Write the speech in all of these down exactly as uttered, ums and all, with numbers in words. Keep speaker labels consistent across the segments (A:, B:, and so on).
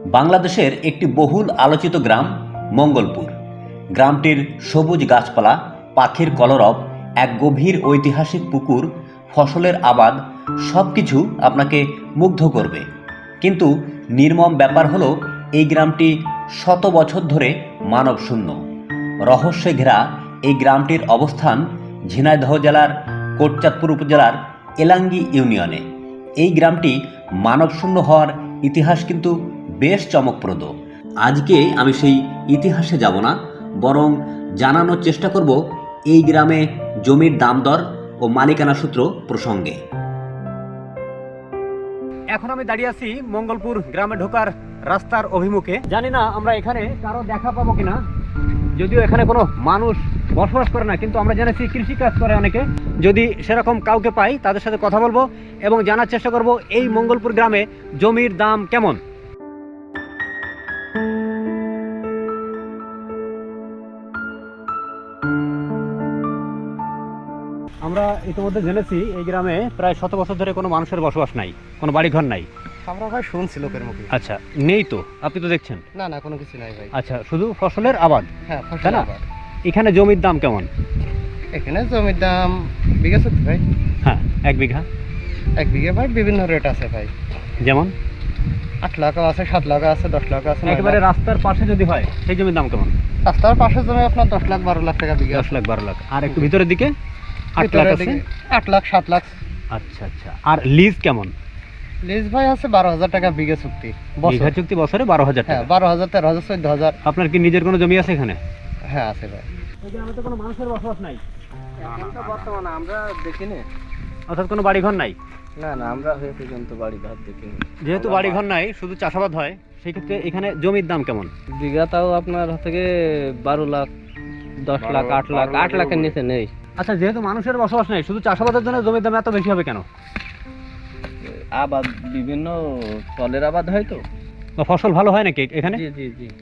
A: বাংলাদেশের একটি বহুল আলোচিত গ্রাম মঙ্গলপুর। গ্রামটির সবুজ গাছপালা, পাখির কলরব, এক গভীর ঐতিহাসিক পুকুর, ফসলের আবাদ সব কিছু আপনাকে মুগ্ধ করবে। কিন্তু নির্মম ব্যাপার হলো এই গ্রামটি শত বছর ধরে মানবশূন্য। রহস্যে ঘেরা এই গ্রামটির অবস্থান ঝিনাইদহ জেলার কোটচাঁদপুর উপজেলার এলাঙ্গি ইউনিয়নে। এই গ্রামটি মানবশূন্য হওয়ার ইতিহাস কিন্তু বেশ চমকপ্রদ। আজকে আমি সেই ইতিহাসে যাব না, বরং জানানোর চেষ্টা করব এই গ্রামে জমির দাম দর ও মালিকানা সূত্র প্রসঙ্গে। এখন আমি দাঁড়িয়ে আছি মঙ্গলপুর গ্রামে ঢোকার রাস্তার অভিমুখে। জানি না আমরা এখানে কারো দেখা পাবো কিনা, যদিও এখানে কোনো মানুষ বসবাস করে না, কিন্তু আমরা জেনেছি কৃষিকাজ করে অনেকে। যদি সেরকম কাউকে পাই তাদের সাথে কথা বলবো এবং জানার চেষ্টা করব এই মঙ্গলপুর গ্রামে জমির দাম কেমন। আমরা ইতিমধ্যে জেনেছি এই গ্রামে প্রায় শত বছর ধরে কোনো মানুষের বসবাস নাই, কোনো বাড়িঘর নাই।
B: আমরা ভাই শুনছি লোকের মুখে।
A: আচ্ছা, নেই তো? আপনি তো দেখছেন।
B: না না, কোনো কিছু নাই ভাই।
A: আচ্ছা, শুধু ফসলের আবাদ।
B: হ্যাঁ,
A: তাই
B: ফসল
A: না?
B: আবাদ।
A: এখানে জমির দাম কেমন?
B: এখানে জমির দাম বিঘা সত্যি ভাই।
A: হ্যাঁ, এক বিঘা
B: এক বিঘা ভাই বিভিন্ন রেট আছে ভাই।
A: যেমন
B: আট লাখ আছে, সাত লাখ আছে, দশ লাখ আছে।
A: একেবারে রাস্তার পাশে যদি হয় সেই জমির দাম কেমন?
B: রাস্তার পাশে জমি আপনার দশ লাখ বারো লাখ টাকা বিঘা।
A: দশ লাখ বারো লাখ। আর একটু ভিতরের দিকে আট লাখ আছে।
B: আট লাখ সাত লাখ।
A: আচ্ছা আচ্ছা। আর লিজ কেমন?
B: লিজ ভাই আছে বারো হাজার টাকা বিঘা চুক্তি।
A: বিঘা চুক্তি বছরে বারো হাজার
B: হ্যাঁ,
A: টাকা।
B: বারো হাজার তেরো হাজার চোদ্দ হাজার।
A: আপনার কি নিজের কোনো জমি আছে এখানে?
B: হ্যাঁ আছে ভাই।
A: এই গ্রামে তো কোনো মানুষের বসবাস নাই।
B: বর্তমানে আমরা দেখিনি,
A: অর্থাৎ কোনো বাড়িঘর নাই।
B: না না, আমরা হয়ে পর্যন্ত বাড়ি ঘর দেখিনি।
A: যেহেতু বাড়িঘর নাই, শুধু চাষাবাদ হয়, সেই ক্ষেত্রে এখানে জমির দাম কেমন?
B: বিঘা তাও আপনার থেকে বারো লাখ, দশ লাখ, আট লাখ। আট লাখের নিচে নেই।
A: আচ্ছা, যেহেতু মানুষের বসবাস নেই, শুধু চাষাবাদের জন্য জমির দাম এত বেশি হবে কেন?
B: আবাদ বিভিন্ন ফলের আবাদ হয় তো।
A: বা ফসল ভালো হয় নাকি এখানে?
B: জি জি জি।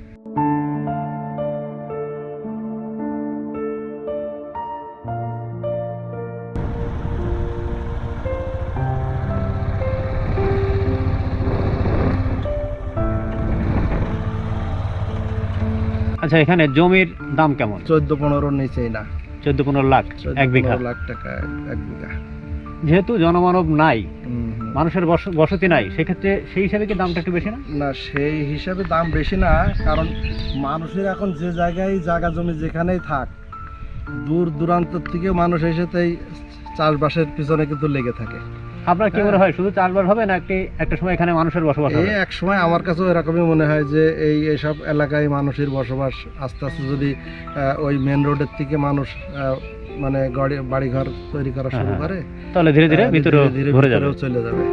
A: আচ্ছা, এখানে জমির দাম কেমন?
C: চোদ্দ পনেরোর নিচেই না।
A: চোদ্দ পনেরো লাখ এক বিঘা।
C: লাখ টাকা এক বিঘা।
A: যেহেতু জনমানব নাই,
C: হুম, হুম।
A: মানুষের বস- বসতি নাই, সেক্ষেত্রে সেই হিসাবে কি দামটা একটু বেশি না?
C: না, সেই হিসাবে দাম বেশি না, কারণ মানুষের এখন যে জায়গায় জায়গা জমি যেখানেই থাক, দূর দূরান্ত থেকে মানুষ এসে তাই চাষবাসের পিছনে কিন্তু লেগে থাকে।
A: আপনার কি মনে হয় শুধু চাষবাস হবে না একটি একটা সময় এখানে মানুষের বসবাস
C: এই
A: হবে?
C: এক সময় আমার কাছেও এরকমই মনে হয় যে এই এসব এলাকায় মানুষের বসবাস আস্তে আস্তে যদি আহ, ওই মেন রোডের থেকে মানুষ আহ, মানে গাড়ি বাড়িঘর তৈরি করা শুরু
A: হ্যাঁ,
C: করে,
A: তাহলে ধীরে ধীরে
C: আহ,
A: ভিতরে
C: ধীরে ধীরে
A: ভরে যাবে।
C: ভিতরেও চলে যাবে।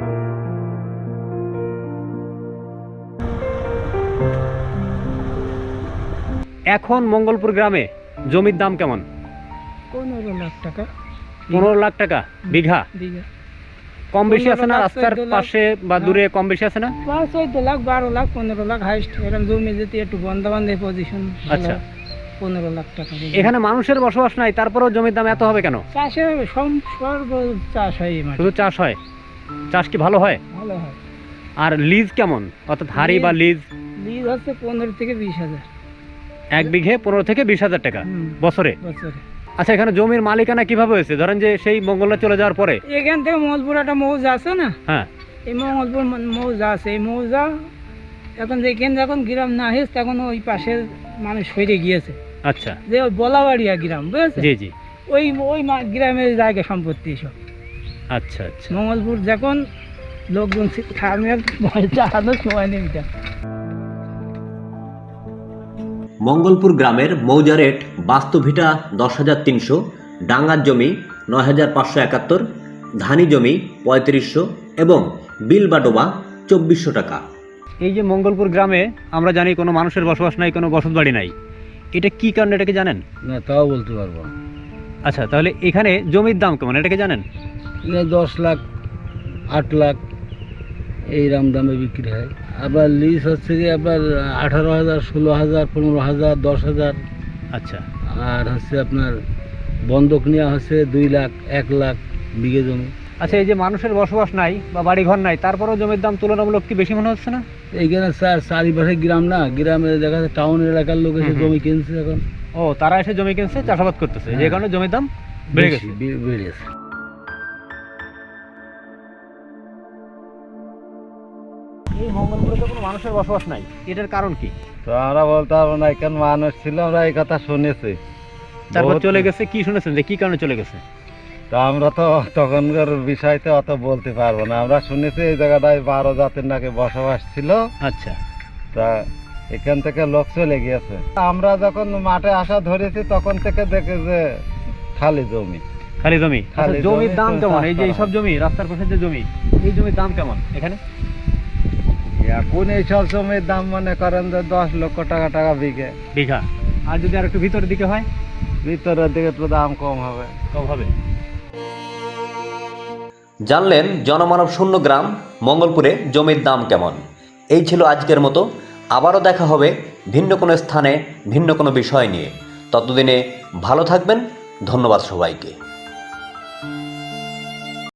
A: এখন মঙ্গলপুর গ্রামে জমির দাম কেমন?
D: পনেরো লাখ টাকা
A: পনেরো লাখ টাকা বিঘা।
D: বিঘা।
A: কম বেশি আছে না?
D: পনেরো লাখ,
A: রাস্তার
D: চোদ্দ লাখ।
A: পাশে বা দূরে কম বেশি আছে না?
D: প্রায় চোদ্দ লাখ, বারো লাখ, পনেরো লাখ হাইস্ট। এরকম জমি যদি একটু বন্ধ বান্ধে পজিশন,
A: আচ্ছা।
D: পনেরো লাখ টাকা বিঘা।
A: এখানে মানুষের বসবাস নাই, তারপরেও জমির দাম এত হবে কেন?
D: চাষে সম- সর্ব চাষ হয় এই মাঠে।
A: শুধু চাষ হয়? চাষ কি ভালো হয়?
D: ভালো হয়।
A: আর লিজ কেমন? অর্থাৎ হারি বা লিজ?
D: লিজ হচ্ছে পনেরো থেকে বিশ হাজার
A: এক বিঘে পনেরো থেকে বিশ হাজার টাকা
D: হুম,
A: বছরে।
D: বছরে।
A: আচ্ছা, এখানে জমির মালিকানা কিভাবে হয়েছে? ধরেন যে সেই মঙ্গলবার চলে যাওয়ার পরে।
D: এখান থেকে মঙ্গলপুর একটা মৌজা আছে না,
A: হ্যাঁ,
D: এই মঙ্গলপুর ম- মৌজা আছে। এই মৌজা এখন যেখানে যখন গ্রাম না হয়েছে তখন ওই পাশের মানুষ সরে গিয়েছে,
A: আচ্ছা,
D: যে ওই বলাবাড়িয়া গ্রাম, বুঝেছে?
A: জি জি,
D: ওই ওই মা- গ্রামের জায়গা সম্পত্তি সব।
A: আচ্ছা আচ্ছা।
D: মঙ্গলপুর যখন লোকজন থামের চালানোর সময় নেই। এটা
A: মঙ্গলপুর গ্রামের মৌজা রেট বাস্তুভিটা দশ হাজার তিনশো, ডাঙ্গার জমি নয় হাজার পাঁচশো একাত্তর, ধানি জমি পঁয়ত্রিশশো এবং বিল বা ডোবা চব্বিশশো টাকা। এই যে মঙ্গলপুর গ্রামে আমরা জানি কোনো মানুষের বসবাস নাই, কোনো বসত বাড়ি নাই, এটা কি কারণে, এটাকে জানেন?
C: না, তাও বলতে পারবো।
A: আচ্ছা, তাহলে এখানে জমির দাম কেমন, এটাকে জানেন?
C: দশ লাখ, আট লাখ এইরকম দামে বিক্রি হয়। আবার লিজ হচ্ছে কি আপনার আঠারো হাজার, ষোলো হাজার, পনেরো হাজার, দশ হাজার।
A: আচ্ছা,
C: আর হচ্ছে আপনার বন্ধক নেওয়া হচ্ছে দুই লাখ, এক লাখ বিঘে জমি।
E: আচ্ছা, এই যে মানুষের বসবাস নাই বা বাড়িঘর নাই, তারপরেও জমির দাম তুলনামূলক কি বেশি মনে হচ্ছে না?
F: এইখানে স্যার চারিপাশে গ্রাম না, গ্রামে দেখা যাচ্ছে টাউন এলাকার লোক এসে
E: হুম হুম।
F: জমি কিনছে এখন
E: ও, তারা এসে জমি কিনছে, চাষাবাদ করতেছে, যে কারণে জমির দাম বেড়ে গেছে।
F: বেশি, বে- বেড়ে গেছে।
E: এই মঙ্গলপুরে তো কোনো মানুষের বসবাস নাই, এটার কারণ কি?
C: তো আমরা বলতে পারবো না, এখানে মানুষ ছিল, আমরা এই কথা শুনেছি।
E: তারপর
C: বহুত-
E: চলে গেছে, কি শুনেছেন যে কি কারণে চলে গেছে?
C: তা আমরা তো তখনকার বিষয়তে অত বলতে পারবো না। আমরা শুনেছি এই জায়গাটায় বারো জাতির নাকি বসবাস ছিল,
E: আচ্ছা,
C: তা এখান থেকে লোক চলে গিয়েছে। আমরা যখন মাঠে আসা ধরেছি তখন থেকে দেখে যে খালি জমি।
E: খালি জমি।
C: খালি
E: আচ্ছা, জমির
C: জমি,
E: দাম
C: তো
E: কেমন?
C: চাষ
E: এই যে
C: করা
E: এইসব
C: হয়।
E: জমি, রাস্তার পাশে যে জমি, এই জমির দাম কেমন এখানে?
C: এখন এইসব জমির দাম মনে করেন যে দশ লক্ষ টাকা টাকা বিঘে।
E: বিঘা। আর যদি আর একটু ভিতরের দিকে হয়,
C: ভিতরের দিকে তো দাম কম হবে।
E: কম হবে।
A: জানলেন জনমানব শূন্য গ্রাম মঙ্গলপুরে জমির দাম কেমন। এই ছিল আজকের মতো। আবারও দেখা হবে ভিন্ন কোনো স্থানে ভিন্ন কোনো বিষয় নিয়ে। ততদিনে ভালো থাকবেন। ধন্যবাদ সবাইকে।